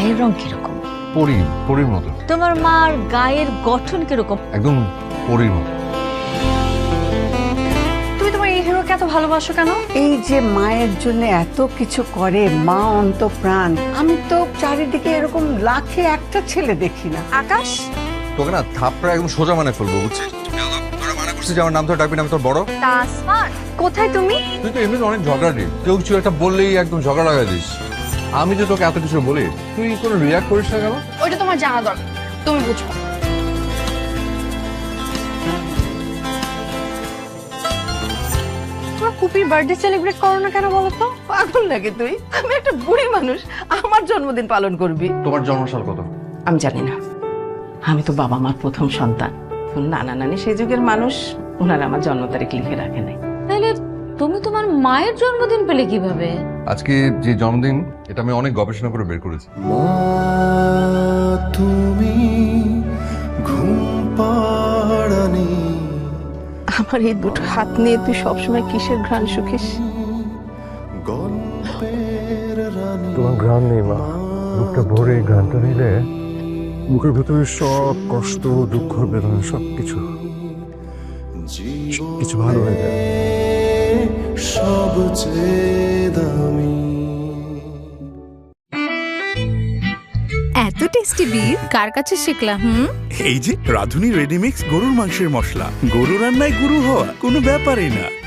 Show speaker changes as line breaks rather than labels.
গায়ের রং কিরকম?
পরীর মতো।
তোমার মার গায়ের গঠন কিরকম?
একদম পরীর মতো।
তুমি তোমার এই হিরোকে এত ভালোবাসো কেন?
এই যে মায়ের জন্য এত কিছু করে, মা অন্তঃপ্রাণ। আমি তো চারিদিকে এরকম লাখে একটা ছেলে দেখি না।
আকাশ,
তোকে না থাপড়া একদম সোজা মানে ফেলবো, বুঝছিস? তোরা মানা করছিস যে আমার নাম ধরে ডাকবি না, আমি তোর বড়।
তাসমান, কোথায় তুমি?
তুই তো এমনি অনেক ঝগড়াটি, কেউ কিছু একটা বললেই একদম ঝগড়া লাগাই দিস। আমি যে তোকে এত কিছু বলি, তুই কোনো রিয়াক্ট করিস না কেন?
ওইটা তোমার জানা দরকার, তুমি বুঝো। তোমার পুপির বার্থডে সেলিব্রেট করো না কেন বলো তো?
পাগল নাকি তুই? আমি একটা বুড়ি মানুষ, আমার জন্মদিন পালন করবি?
তোমার জন্মসাল কত?
আমি জানি না। আমি তো বাবা মার প্রথম সন্তান। নানা নানি সেই যুগের মানুষ, ওনারা আমার জন্ম তারিখ লিখে রাখে নাই।
তাহলে তুমি তোমার মায়ের জন্মদিন পেলে কিভাবে?
আজকে যে জন্মদিন, এটা আমি অনেক গবেষণা করে বের করেছি।
তুমি ঘুম পাড়ানি।
আমার এই দুটো হাত নিয়ে তুই সবসময় কিসের ঘ্রাণ শুকিস?
গল্পের রানী
তোমার ঘ্রাণ নেই মা, বুকটা ভরে ঘ্রাণটা নিলে বুকের ভেতরে সব কষ্ট, দুঃখ, বেদনা সবকিছু কিছু ভালো হয়ে যায়।
সবচেয়ে দামি।
এত টেস্টি বিফ কার কাছে শিখলাম?
এই যে রাধুনী রেডিমিক্স গরুর মাংসের মশলা, গরু রান্নায় গুরু হওয়া কোনো ব্যাপারই না।